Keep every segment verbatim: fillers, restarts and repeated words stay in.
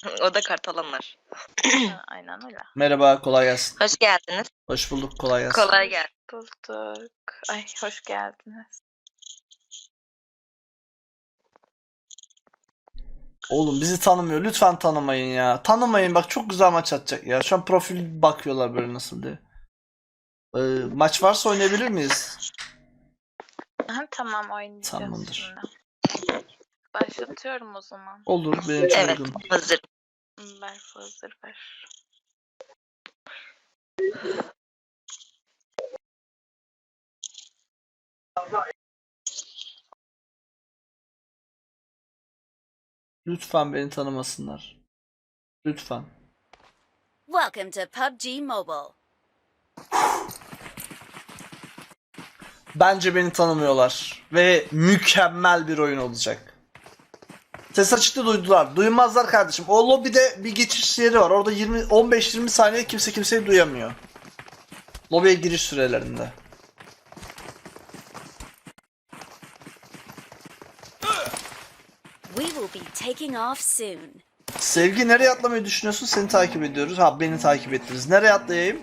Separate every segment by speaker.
Speaker 1: O da kartalanlar.
Speaker 2: Aynen öyle.
Speaker 3: Merhaba, kolay gelsin.
Speaker 1: Hoş geldiniz.
Speaker 3: Hoş bulduk, kolay gelsin.
Speaker 1: Kolay gelsin.
Speaker 2: Bulduk. Ay hoş geldiniz.
Speaker 3: Oğlum bizi tanımıyor. Lütfen tanımayın ya. Tanımayın bak, çok güzel maç atacak ya. Şu an profil bakıyorlar böyle nasıl diye. Ee, maç varsa oynayabilir miyiz?
Speaker 2: Aha, tamam oynayacağız
Speaker 3: Tamamdır.
Speaker 2: şimdi. Başlatıyorum o zaman.
Speaker 3: Olur, benim için
Speaker 1: Evet,
Speaker 3: uygun.
Speaker 1: hazır.
Speaker 2: Ver hazır ver.
Speaker 3: Lütfen beni tanımasınlar. Lütfen.
Speaker 4: Welcome to P U B G Mobile.
Speaker 3: Bence beni tanımıyorlar. Ve mükemmel bir oyun olacak. Ses açıkta duydular. Duymazlar kardeşim. O lobide bir geçiş yeri var. Orada yirmi on beş yirmi saniye kimse kimseyi duyamıyor. Lobiye giriş sürelerinde.
Speaker 4: We will be taking off soon.
Speaker 3: Sevgi, nereye atlamayı düşünüyorsun? Seni takip ediyoruz. Ha, beni takip ettiniz. Nereye atlayayım?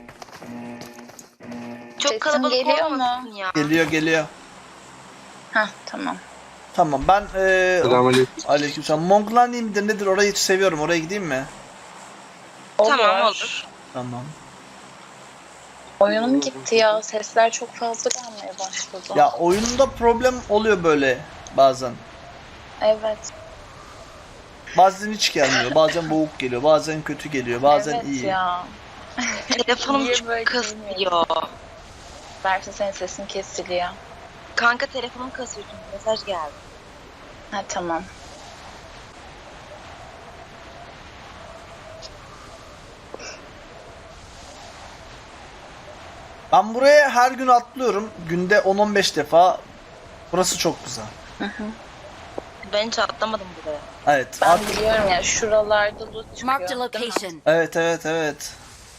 Speaker 1: Çok
Speaker 2: Sesim
Speaker 1: kalabalık
Speaker 2: geliyor
Speaker 1: olmasın
Speaker 2: mu?
Speaker 1: ya.
Speaker 3: Geliyor geliyor.
Speaker 2: Hah tamam.
Speaker 3: Tamam, ben eee
Speaker 5: Selamünaleyküm.
Speaker 3: aleykümselam. Mongolani midir nedir? Orayı seviyorum. Oraya gideyim mi?
Speaker 1: Tamam, olur.
Speaker 3: Tamam.
Speaker 2: Oyunum gitti ya. Sesler çok fazla gelmeye başladı.
Speaker 3: Ya oyunda problem oluyor böyle bazen.
Speaker 2: Evet.
Speaker 3: Bazen hiç gelmiyor. Bazen boğuk geliyor. Bazen kötü geliyor. Bazen
Speaker 2: evet
Speaker 3: iyi.
Speaker 2: ya.
Speaker 1: Telefonum
Speaker 2: Niye
Speaker 1: çok
Speaker 2: böyle
Speaker 1: kasıyor.
Speaker 2: Versin senin sesin kesiliyor.
Speaker 1: Kanka telefonum kasıyor çünkü mesaj geldi.
Speaker 2: Ha tamam.
Speaker 3: Ben buraya her gün atlıyorum. Günde on on beş defa. Burası çok güzel.
Speaker 1: Ben hiç atlamadım buraya.
Speaker 3: Evet.
Speaker 2: Ben
Speaker 3: at-
Speaker 2: biliyorum ya şuralarda loot çıkıyor.
Speaker 4: Marked a
Speaker 2: değil mi?
Speaker 4: location.
Speaker 3: Evet evet evet.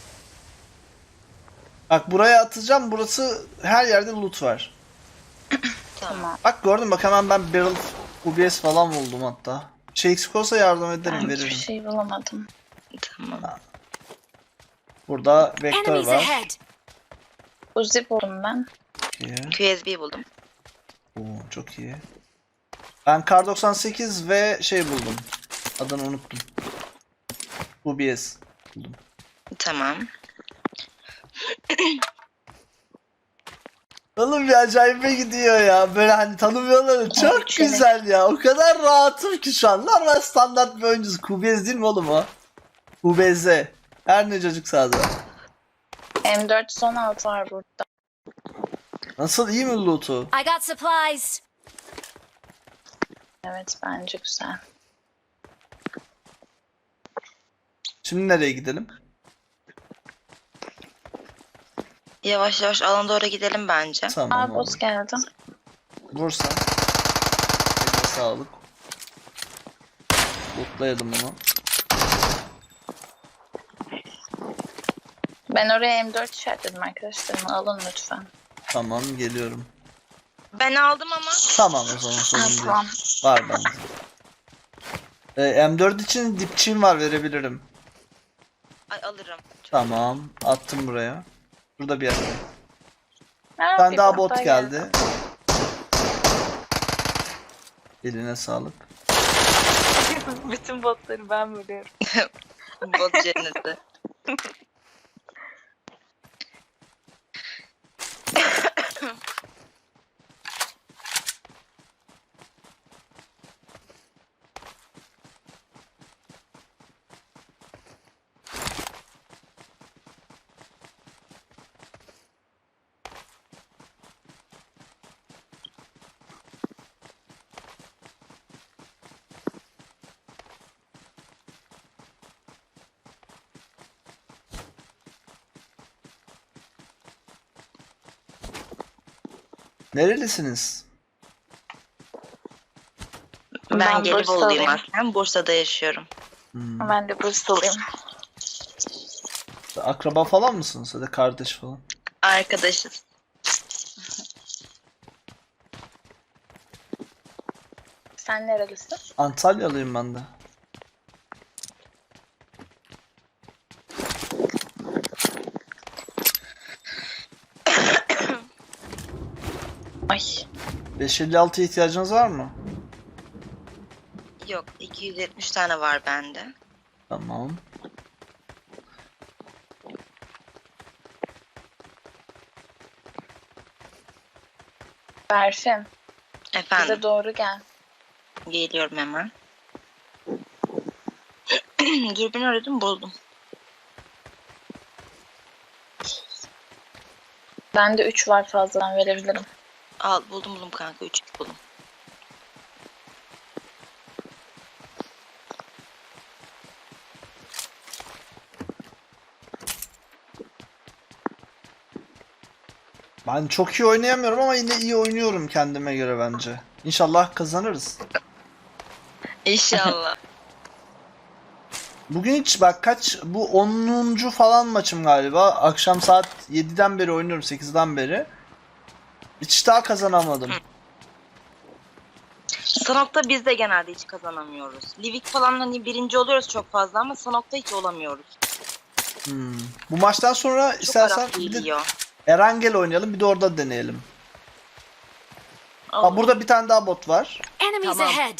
Speaker 3: Bak buraya atacağım. Burası her yerde loot var.
Speaker 1: Tamam.
Speaker 2: Tamam.
Speaker 3: Bak gördün, bak hemen ben barrel U B S falan buldum hatta. Şey eksik olsa yardım ederim,
Speaker 2: Ben hiçbir
Speaker 3: veririm.
Speaker 2: şey bulamadım.
Speaker 1: Tamam.
Speaker 3: Burada vektör
Speaker 4: Enemies
Speaker 3: var.
Speaker 4: ahead.
Speaker 2: Uzi buldum ben.
Speaker 3: İyi.
Speaker 1: Q S B buldum.
Speaker 3: Oo, çok iyi. Ben Kar doksan sekiz ve şey buldum. Adını unuttum. U B S buldum.
Speaker 1: Tamam.
Speaker 3: Oğlum bir acayip gidiyor ya. Böyle hani tanımıyorlar. Çok
Speaker 2: Evet, evet.
Speaker 3: güzel ya. O kadar rahatım ki şu an. Normal standart bir oyuncuyuz. Q B S değil mi oğlum o? U B Z. Her ne çocuk sağda.
Speaker 2: M dört yüz on altı var burada.
Speaker 3: Nasıl, iyi mi loot'u?
Speaker 4: I got supplies.
Speaker 2: Evet bence güzel.
Speaker 3: Şimdi nereye gidelim?
Speaker 1: Yavaş yavaş alana doğru gidelim bence.
Speaker 3: Tamam
Speaker 2: Aa
Speaker 3: olur.
Speaker 2: boss geldi.
Speaker 3: Vursan. Eline sağlık. Lootlayalım onu.
Speaker 2: Ben oraya M dört işaretledim arkadaşlarım. Alın lütfen.
Speaker 3: Tamam, geliyorum.
Speaker 1: Ben aldım ama.
Speaker 3: Tamam o zaman, sorun
Speaker 2: Ha,
Speaker 3: değil.
Speaker 2: tamam.
Speaker 3: Var bende. Ee, M dört için dipçiğim var, verebilirim.
Speaker 1: Ay alırım.
Speaker 3: Tamam, attım buraya. Burada bir yerde.
Speaker 2: Ha,
Speaker 3: Bir tane
Speaker 2: bir
Speaker 3: daha
Speaker 2: bot
Speaker 3: bot
Speaker 2: daha
Speaker 3: geldi. Eline sağlık.
Speaker 2: Bütün botları ben vuruyorum.
Speaker 1: Bot cenneti.
Speaker 3: Nerelisiniz?
Speaker 1: Ben,
Speaker 2: Ben
Speaker 1: Gelibolu'luyum
Speaker 2: Bursalıyım.
Speaker 1: aslında. Bursa'da yaşıyorum.
Speaker 3: Hmm.
Speaker 2: Ben de Bursalıyım.
Speaker 3: Akraba falan mısınız? Ya da kardeş falan?
Speaker 1: Arkadaşız.
Speaker 2: Sen nerelisin?
Speaker 3: Antalyalıyım ben de. beş elli altıya ihtiyacınız var mı?
Speaker 1: Yok, iki yüz yetmiş tane var bende.
Speaker 3: Tamam.
Speaker 2: Berfin,
Speaker 1: Efendim,
Speaker 2: bize doğru gel.
Speaker 1: geliyorum hemen. Dürbünü aradım, buldum.
Speaker 2: Bende üç var, fazladan verebilirim.
Speaker 1: Al, buldum buldum kanka, üç buldum.
Speaker 3: Ben çok iyi oynayamıyorum ama yine iyi oynuyorum kendime göre bence. İnşallah kazanırız.
Speaker 1: İnşallah.
Speaker 3: Bugün hiç bak kaç bu onuncu falan maçım galiba. Akşam saat yediden beri oynuyorum, sekizden beri. Hiç daha kazanamadım.
Speaker 1: Sanok'ta biz de genelde hiç kazanamıyoruz. Livik falan hani birinci oluyoruz çok fazla ama Sanok'ta hiç olamıyoruz.
Speaker 3: Hmm. Bu maçtan sonra
Speaker 1: Çok
Speaker 3: istersen
Speaker 1: Arap
Speaker 3: bir de
Speaker 1: geliyor.
Speaker 3: Erangel oynayalım, bir de orada deneyelim. Ha, burada bir tane daha bot var.
Speaker 4: Enemies
Speaker 1: Tamam.
Speaker 4: ahead!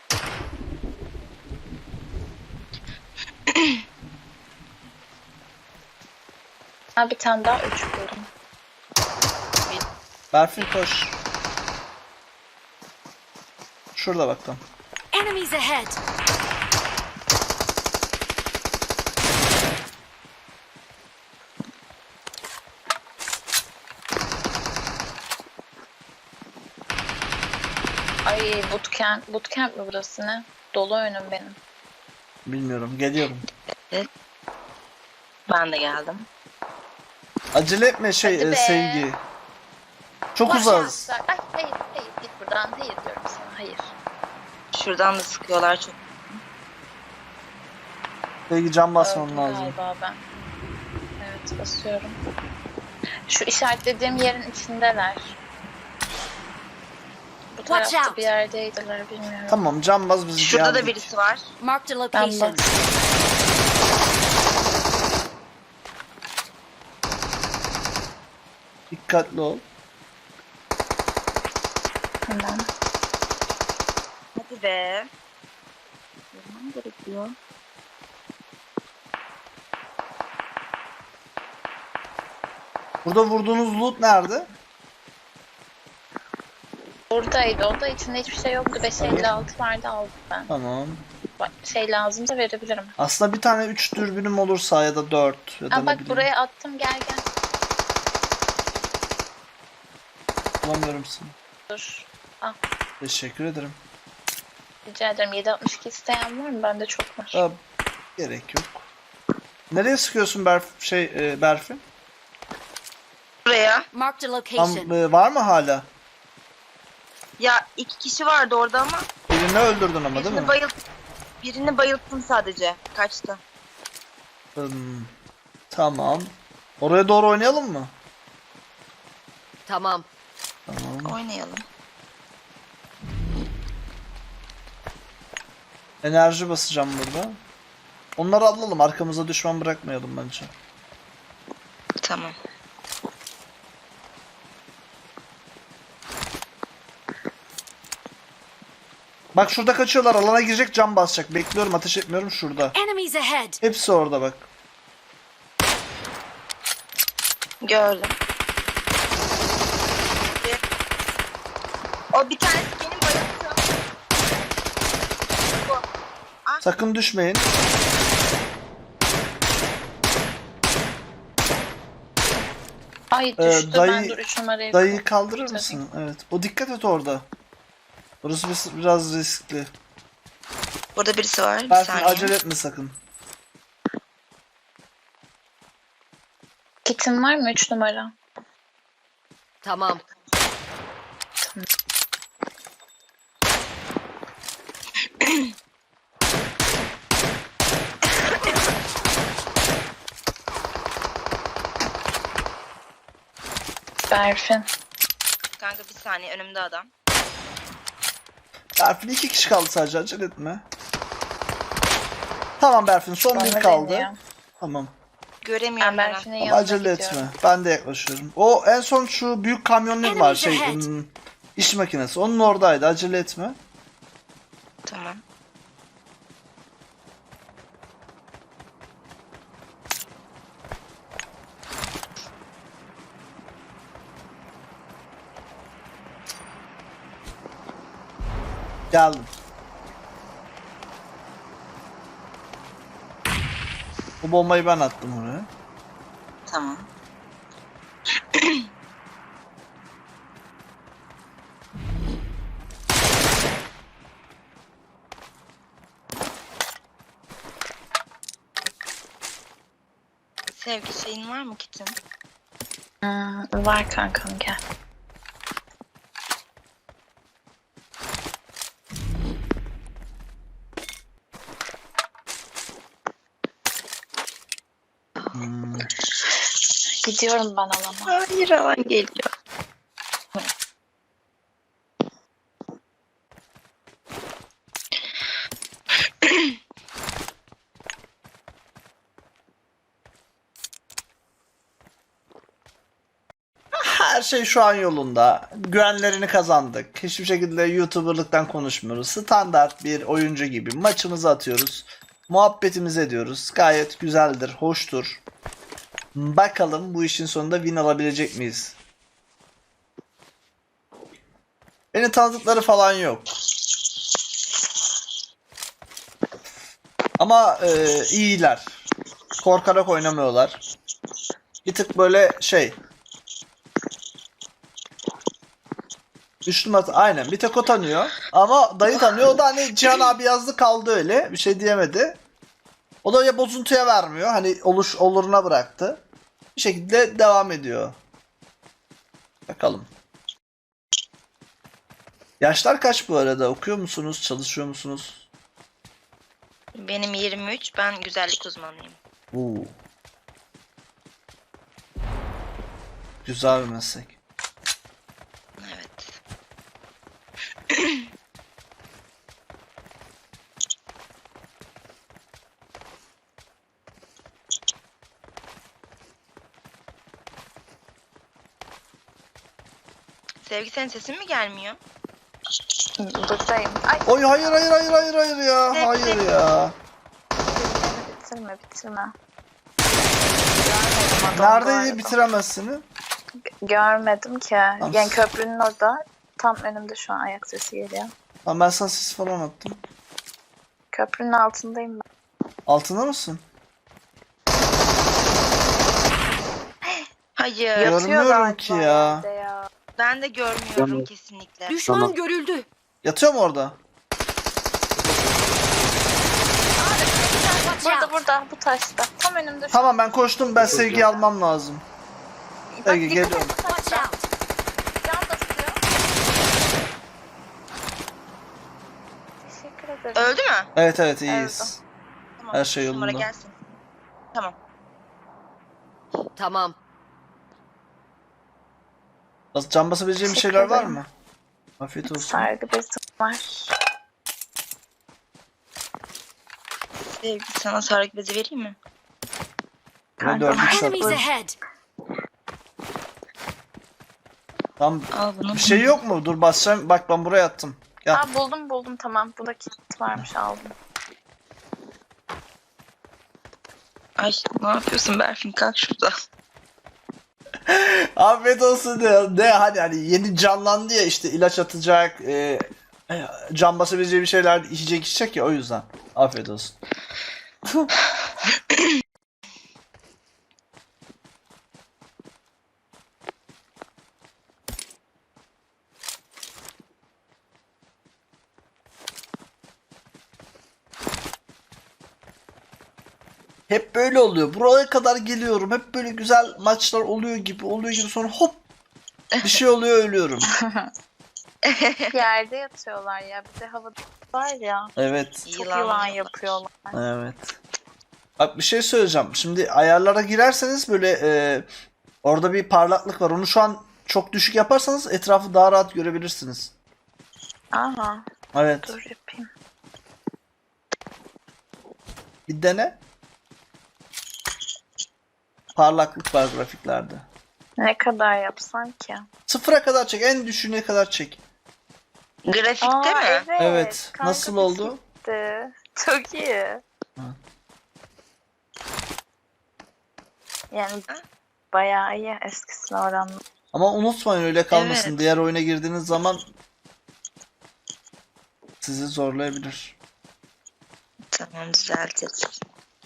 Speaker 2: Ha, bir tane daha üç buldum.
Speaker 3: Berfin koş. Şurada bak tam.
Speaker 4: Enemies ahead!
Speaker 2: Ay, bootcamp, bootcamp mi burası, ne? Dolu önüm benim.
Speaker 3: Bilmiyorum, geliyorum.
Speaker 1: Ben de geldim.
Speaker 3: Acele etme şey
Speaker 2: Hadi
Speaker 3: e,
Speaker 2: be.
Speaker 3: sevgi. Çok
Speaker 2: Boş
Speaker 3: uzağız.
Speaker 2: yapsak. Ay, hayır hayır, git buradan, hayır diyorum sana, hayır.
Speaker 1: Şuradan da sıkıyorlar çok.
Speaker 3: Sevgi can basman
Speaker 2: Öldüm
Speaker 3: lazım.
Speaker 2: galiba ben. Evet, basıyorum. Şu işaretlediğim yerin içindeler. Bu
Speaker 4: Watch
Speaker 2: tarafta
Speaker 4: out.
Speaker 2: bir yerdeydiler, bilmiyorum.
Speaker 3: Tamam, can bas bizi
Speaker 1: Şurada da
Speaker 3: geldik.
Speaker 1: birisi var.
Speaker 4: Marked a
Speaker 2: Ben
Speaker 4: location.
Speaker 2: bas.
Speaker 3: Dikkatli ol.
Speaker 2: Hemen.
Speaker 1: Hadi be. Görmem gerekiyor.
Speaker 3: Burada vurduğunuz loot nerede?
Speaker 2: Buradaydı, o da içinde hiçbir şey yoktu. beş elli altı vardı, aldım ben.
Speaker 3: Tamam.
Speaker 2: Bak, şey lazımsa verebilirim.
Speaker 3: Aslında bir tane üç dürbünüm olursa ya da dört ya da
Speaker 2: Aa,
Speaker 3: ne
Speaker 2: bak
Speaker 3: bileyim.
Speaker 2: buraya attım, gel gel.
Speaker 3: Bulamıyorum seni.
Speaker 2: Dur.
Speaker 3: Teşekkür ederim.
Speaker 2: Rica ederim. yedi altmış iki isteyen var mı? Bende çok var.
Speaker 3: Aa, gerek yok. Nereye sıkıyorsun Berf şey e, Berfin?
Speaker 1: Buraya.
Speaker 4: Marked a
Speaker 3: Tam,
Speaker 4: location.
Speaker 3: e, var mı hala?
Speaker 1: Ya iki kişi vardı orada ama
Speaker 3: Birini öldürdün ama değil
Speaker 1: birini
Speaker 3: mi?
Speaker 1: bayılt birini bayılttım sadece. Kaçtı.
Speaker 3: Hmm, tamam. Oraya doğru oynayalım mı?
Speaker 4: Tamam.
Speaker 3: Tamam.
Speaker 1: Oynayalım.
Speaker 3: Enerji basacağım burada. Onları alalım. Arkamıza düşman bırakmayalım bence.
Speaker 1: Tamam.
Speaker 3: Bak şurada kaçıyorlar. Alana girecek, cam basacak. Bekliyorum, ateş etmiyorum şurada.
Speaker 4: Enemies ahead!
Speaker 3: Hepsi orada bak.
Speaker 1: Gördüm. O bir tanesi benim bayılttım. Bu.
Speaker 3: Sakın düşmeyin.
Speaker 2: Ay
Speaker 3: Ee,
Speaker 2: düştü.
Speaker 3: dayı-
Speaker 2: ben dur üç numarayı
Speaker 3: Dayıyı kaldırır
Speaker 2: Tabii.
Speaker 3: mısın? Evet. O dikkat et orada. Burası bis- biraz riskli.
Speaker 1: Burada birisi var. Bir
Speaker 3: Berfin
Speaker 1: saniye.
Speaker 3: acele etme sakın.
Speaker 2: Kitin var mı üç numara?
Speaker 4: Tamam.
Speaker 2: Berfin.
Speaker 1: Kanka bir saniye, önümde adam.
Speaker 3: Berfin iki kişi kaldı sadece, acele etme. Tamam Berfin, son bir
Speaker 2: Bana
Speaker 3: kaldı.
Speaker 2: deniyor.
Speaker 3: Tamam.
Speaker 1: Göremiyorum
Speaker 2: Ben
Speaker 1: ben.
Speaker 2: Berfin'in
Speaker 3: Ama
Speaker 2: yanına
Speaker 3: acele
Speaker 2: gidiyorum.
Speaker 3: etme. Ben de yaklaşıyorum. O en son şu büyük kamyonlar var. Şey,
Speaker 4: Enemies ahead.
Speaker 3: ım, İş makinesi. Onun oradaydı. Acele etme.
Speaker 1: Tamam.
Speaker 3: Geldim. Bu bombayı ben attım oraya.
Speaker 1: Tamam. Sevgi şeyin var mı kitin?
Speaker 2: Hmm, var kankam gel.
Speaker 3: Hmm.
Speaker 2: Gidiyorum ben alana.
Speaker 1: Hayır, alan geliyor.
Speaker 3: Her şey şu an yolunda. Güvenlerini kazandık. Hiçbir şekilde YouTuber'lıktan konuşmuyoruz. Standart bir oyuncu gibi maçımızı atıyoruz. Muhabbetimizi ediyoruz. Gayet güzeldir, hoştur. Bakalım bu işin sonunda win alabilecek miyiz? Beni tanıdıkları falan yok. Ama e, iyiler. Korkarak oynamıyorlar. Bir tık böyle şey. Üçlü masa aynen, bir tek o tanıyor. Ama dayı tanıyor. O da hani Cihan abi yazdı kaldı öyle. Bir şey diyemedi. O da ya bozuntuya vermiyor. Hani oluş oluruna bıraktı. Bir şekilde devam ediyor. Bakalım. Yaşlar kaç bu arada? Okuyor musunuz? Çalışıyor musunuz?
Speaker 1: Benim yirmi üç, ben güzellik uzmanıyım.
Speaker 3: Oo. Güzel bir meslek.
Speaker 1: Evet. Sevgi, senin sesin mi gelmiyor?
Speaker 2: Buradayım. Ay
Speaker 3: Oy hayır hayır hayır hayır hayır ya. Hayır ya.
Speaker 2: bitirme bitirme.
Speaker 3: Neredeydi bitiremezsiniz?
Speaker 2: Görmedim ki.
Speaker 3: Tamam.
Speaker 2: Yani köprünün orada. Tam önümde şu an ayak sesi geliyor.
Speaker 3: Lan ben sana ses falan attım.
Speaker 2: Köprünün altındayım ben.
Speaker 3: Altında mısın?
Speaker 1: Hayır.
Speaker 3: Görmüyorum
Speaker 2: Yatıyor galiba
Speaker 3: ki ya.
Speaker 2: evde ya.
Speaker 1: Ben de görmüyorum kesinlikle.
Speaker 4: Düşman
Speaker 5: Tamam.
Speaker 4: görüldü.
Speaker 3: Yatıyor mu orada?
Speaker 4: Watch
Speaker 2: Burada
Speaker 4: out.
Speaker 2: burada bu taşta. Tam önümde şu
Speaker 3: Tamam ben koştum, ben Sevgi'yi almam lazım.
Speaker 2: Bak,
Speaker 3: Sevgi
Speaker 2: dikkat
Speaker 3: geliyorum.
Speaker 2: et bu
Speaker 4: Watch
Speaker 2: taşta.
Speaker 4: out.
Speaker 2: Can da tutuyor. Teşekkür ederim.
Speaker 1: Öldü mü?
Speaker 3: Evet evet iyiyiz.
Speaker 1: Tamam.
Speaker 3: Her şey
Speaker 1: Numara
Speaker 3: yolunda.
Speaker 1: gelsin. Tamam.
Speaker 4: Tamam.
Speaker 3: Bas- Can basabileceğim bir
Speaker 2: Teşekkür
Speaker 3: şeyler var
Speaker 2: ederim.
Speaker 3: mı? Afiyet olsun.
Speaker 2: Sargı bezim var.
Speaker 1: Sevgi, sana sargı bezi vereyim mi?
Speaker 3: Ve dördüncü şart.
Speaker 4: Enemies ahead.
Speaker 3: Tam
Speaker 1: Al bunu.
Speaker 3: bir şey yok mu? Dur basacağım. Bak ben buraya attım. Gel.
Speaker 2: Aa buldum buldum tamam. Bu da kit varmış aldım.
Speaker 1: Ay, ne yapıyorsun Berfin? Kalk şurada.
Speaker 3: Afiyet olsun diyor. Ne hani hani yeni canlandı ya, işte ilaç atacak. E, e, can basabileceği bir şeyler içecek içecek ya, o yüzden. Afiyet olsun. Hep böyle oluyor. Buraya kadar geliyorum. Hep böyle güzel maçlar oluyor gibi oluyor gibi, sonra hop bir şey oluyor, ölüyorum.
Speaker 2: Yerde yatıyorlar ya. Bir de havada var ya.
Speaker 3: Evet.
Speaker 2: Çok
Speaker 1: Yılan
Speaker 2: yılan
Speaker 1: yapıyorlar.
Speaker 2: yapıyorlar.
Speaker 3: Evet. Bak bir şey söyleyeceğim. Şimdi ayarlara girerseniz böyle e, orada bir parlaklık var. Onu şu an çok düşük yaparsanız etrafı daha rahat görebilirsiniz.
Speaker 2: Aha.
Speaker 3: Evet.
Speaker 2: Dur yapayım.
Speaker 3: Bir dene. Parlaklık var grafiklerde.
Speaker 2: Ne kadar yapsan ki?
Speaker 3: Sıfıra kadar çek. En düşüğüne kadar çek.
Speaker 1: Grafikte
Speaker 2: Aa,
Speaker 1: mi?
Speaker 2: evet.
Speaker 3: Evet.
Speaker 2: Kanka
Speaker 3: Nasıl oldu?
Speaker 2: gitti. Çok iyi.
Speaker 3: Ha.
Speaker 2: Yani bayağı iyi eskisine oranla.
Speaker 3: Ama unutmayın öyle kalmasın.
Speaker 1: Evet.
Speaker 3: Diğer oyuna girdiğiniz zaman sizi zorlayabilir.
Speaker 1: Tamam, düzeltiriz.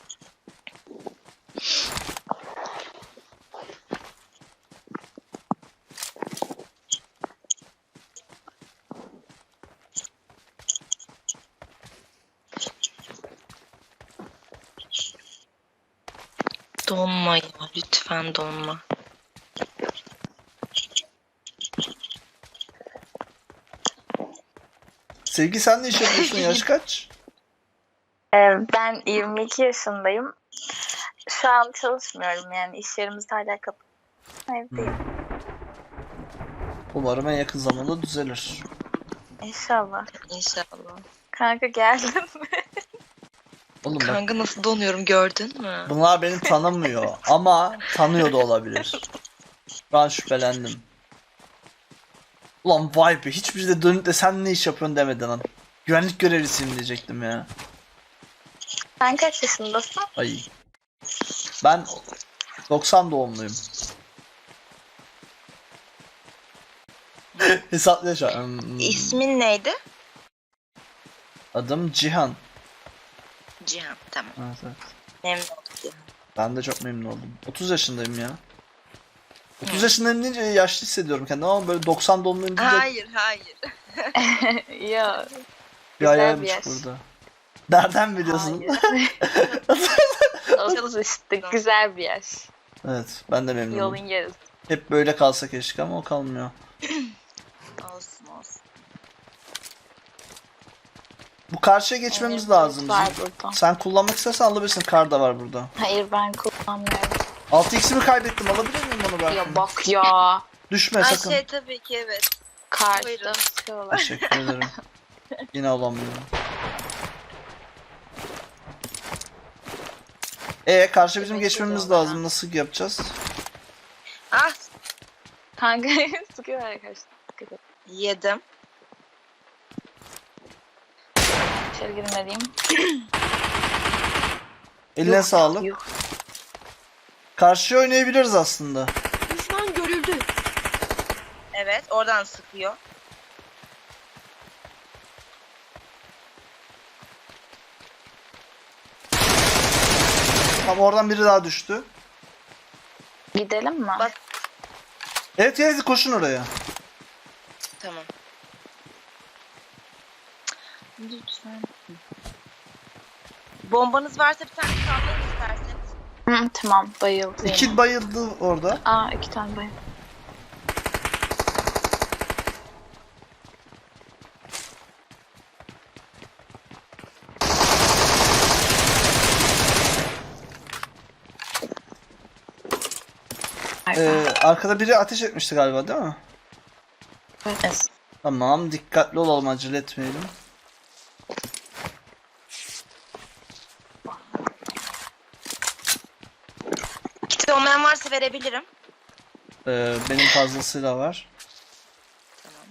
Speaker 1: Donma ya, lütfen donma.
Speaker 3: Sevgi sen ne iş yapıyorsun? Yaş kaç?
Speaker 2: Ee, ben yirmi iki yaşındayım. Şu an çalışmıyorum yani iş yerimiz hala kapalı. Evdeyim.
Speaker 3: Umarım en yakın zamanda düzelir.
Speaker 2: İnşallah.
Speaker 1: İnşallah.
Speaker 2: Kanka geldin mi?
Speaker 3: Oğlum bak,
Speaker 1: Kanka nasıl donuyorum, gördün mü?
Speaker 3: bunlar beni tanımıyor ama tanıyor da olabilir. Ben şüphelendim. Ulan vay be, hiçbir de dönüp de sen ne iş yapıyorsun demeden lan. Güvenlik görevlisiyim diyecektim ya.
Speaker 2: Sen kaç yaşındasın?
Speaker 3: Ay. Ben doksan doğumluyum. Hesapla şu an. Hmm,
Speaker 1: İsmin neydi?
Speaker 3: Adım Cihan.
Speaker 1: Cihan. Tamam.
Speaker 3: Evet, evet.
Speaker 1: Memnun oldum Cihan.
Speaker 3: Ben de çok memnun oldum. otuz yaşındayım ya. otuz yaşındayım deyince yaşlı hissediyorum kendimi ama böyle doksan doğumluyum deyince
Speaker 1: Hayır, hayır.
Speaker 2: Ya.
Speaker 3: bir
Speaker 2: güzel
Speaker 3: ayağım
Speaker 2: bir yaş.
Speaker 3: burada. Nereden biliyorsun?
Speaker 2: Olsun işte güzel bir yaş.
Speaker 3: Evet, ben de memnunum.
Speaker 2: Yolun yarısı.
Speaker 3: Hep böyle kalsa keşke ama o kalmıyor.
Speaker 1: Olsun olsun.
Speaker 3: Bu karşıya geçmemiz
Speaker 2: Evet,
Speaker 3: lazım.
Speaker 2: var
Speaker 3: bizim.
Speaker 2: burada.
Speaker 3: Sen kullanmak istersen alabilirsin. Kar da var burada.
Speaker 2: Hayır ben kullanmıyorum.
Speaker 3: altı x'imi kaybettim. Alabilir miyim onu ben?
Speaker 2: Ya bak ya.
Speaker 3: Düşme
Speaker 1: Ay
Speaker 3: sakın.
Speaker 1: şey tabii ki evet.
Speaker 2: Karşıda
Speaker 1: Buyurun.
Speaker 2: sıkıyorlar.
Speaker 3: Teşekkür ederim. Yine alamıyorum. E karşı bizim
Speaker 2: Demek
Speaker 3: geçmemiz
Speaker 2: geliyorlar
Speaker 3: lazım.
Speaker 2: ha.
Speaker 3: Nasıl yapacağız?
Speaker 1: Ah,
Speaker 2: Kanka sıkıyor arkadaşlar. Sıkıyor.
Speaker 1: yedim.
Speaker 2: İçeri girmeliyim.
Speaker 3: Eline
Speaker 2: Yuh,
Speaker 3: sağlık.
Speaker 2: yuh.
Speaker 3: Karşıya oynayabiliriz aslında.
Speaker 4: Düşman görüldü.
Speaker 1: Evet, oradan sıkıyor.
Speaker 3: Tam oradan biri daha düştü.
Speaker 2: Gidelim mi?
Speaker 1: Bak.
Speaker 3: Evet evet koşun oraya.
Speaker 1: Tamam. Lütfen. Bombanız varsa bir tane sallayın isterseniz.
Speaker 2: Hı, tamam bayıldı.
Speaker 3: İki
Speaker 2: yine.
Speaker 3: bayıldı orada.
Speaker 2: Aa iki tane bayıldı.
Speaker 3: Ee, arkada biri ateş etmişti galiba değil mi?
Speaker 2: Evet.
Speaker 3: Tamam, dikkatli olalım, acele etmeyelim.
Speaker 1: Kiti olmayan varsa verebilirim.
Speaker 3: Ee, benim fazlasıyla var.
Speaker 1: Tamam.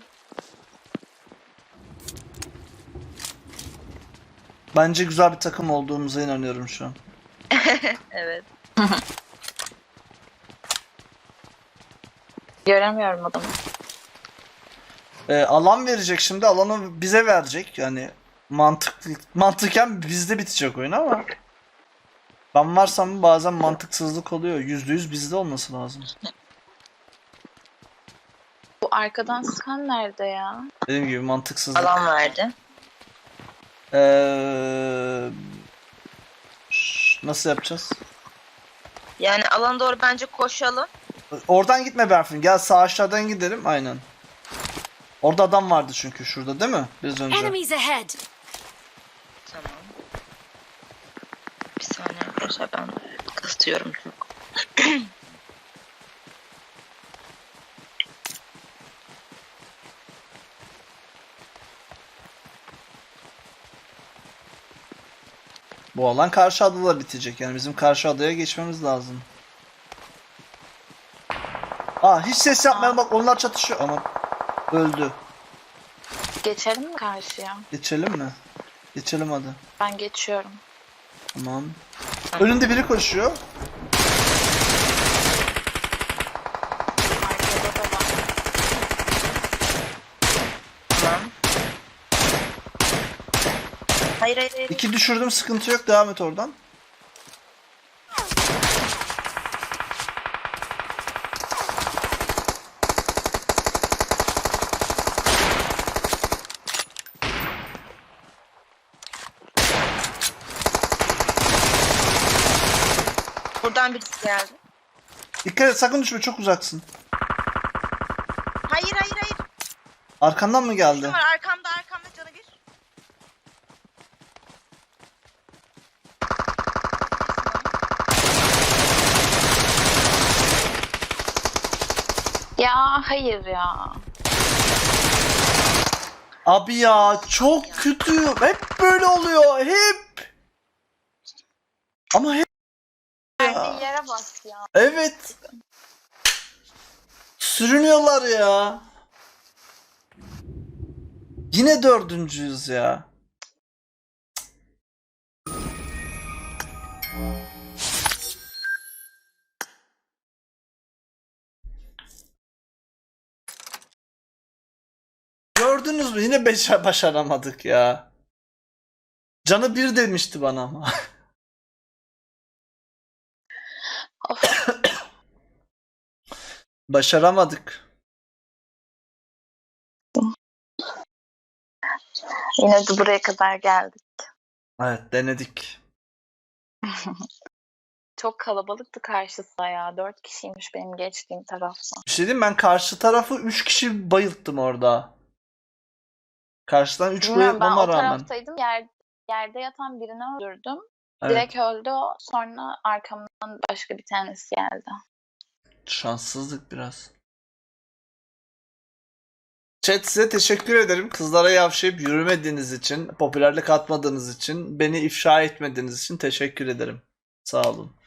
Speaker 3: Bence güzel bir takım olduğumuza inanıyorum şu an.
Speaker 1: Evet.
Speaker 2: Göremiyorum adamı.
Speaker 3: Ee, alan verecek şimdi, alanı bize verecek. Yani mantıklı mantıken bizde bitecek oyun ama ben varsam bazen mantıksızlık oluyor. Yüzde yüz bizde olması lazım.
Speaker 2: Bu arkadan sıkan nerede ya?
Speaker 3: Dediğim gibi mantıksızlık.
Speaker 1: Alan verdi.
Speaker 3: Ee, ş- nasıl yapacağız?
Speaker 1: Yani alana doğru bence koşalım.
Speaker 3: Oradan gitme Berfin. Gel sağ aşağıdan gidelim. Aynen. Orada adam vardı çünkü şurada değil mi? Biraz önce.
Speaker 4: Enemies ahead.
Speaker 1: Tamam. Bir saniye arkadaşlar, ben kısıtıyorum çok.
Speaker 3: Bu alan karşı adada bitecek. Yani bizim karşı adaya geçmemiz lazım. Aa hiç ses yapmayalım, bak onlar çatışıyor ama öldü.
Speaker 2: Geçelim mi karşıya?
Speaker 3: Geçelim mi? Geçelim hadi.
Speaker 2: Ben geçiyorum.
Speaker 3: Tamam. Önünde biri koşuyor.
Speaker 2: Arkada da var.
Speaker 1: Tamam. Hayır hayır hayır.
Speaker 3: İki düşürdüm, sıkıntı yok, devam et oradan.
Speaker 1: Buradan birisi geldi.
Speaker 3: Dikkat et, sakın düşme, çok uzaksın.
Speaker 1: Hayır hayır hayır.
Speaker 3: Arkandan mı geldi?
Speaker 1: Kim var arkamda arkamda canı bir.
Speaker 2: Ya hayır ya.
Speaker 3: Abi ya çok kötü. Hep böyle oluyor. Hep. Ama hep.
Speaker 2: Verdiği yere bak ya.
Speaker 3: Evet. Sürünüyorlar ya. Yine dördüncüyüz ya. Gördünüz mü? Yine beş başaramadık ya. Canı bir demişti bana ama.
Speaker 2: Of.
Speaker 3: Başaramadık.
Speaker 2: Yine de buraya kadar geldik.
Speaker 3: Evet, denedik.
Speaker 2: Çok kalabalıktı karşısı ya. Dört kişiymiş benim geçtiğim tarafta.
Speaker 3: Bir şey diyeyim, ben karşı tarafı üç kişi bayılttım orada. Karşıdan üç
Speaker 2: Bilmiyorum, ben
Speaker 3: bayıltmama
Speaker 2: o
Speaker 3: rağmen.
Speaker 2: taraftaydım. Yer, yerde yatan birini öldürdüm.
Speaker 3: Evet,
Speaker 2: Direkt öldü o. Sonra arkamdan başka bir tanesi geldi.
Speaker 3: şanssızlık biraz. Chat, size teşekkür ederim. Kızlara yavşayıp yürümediğiniz için, popülerlik atmadığınız için, beni ifşa etmediğiniz için teşekkür ederim. Sağ olun.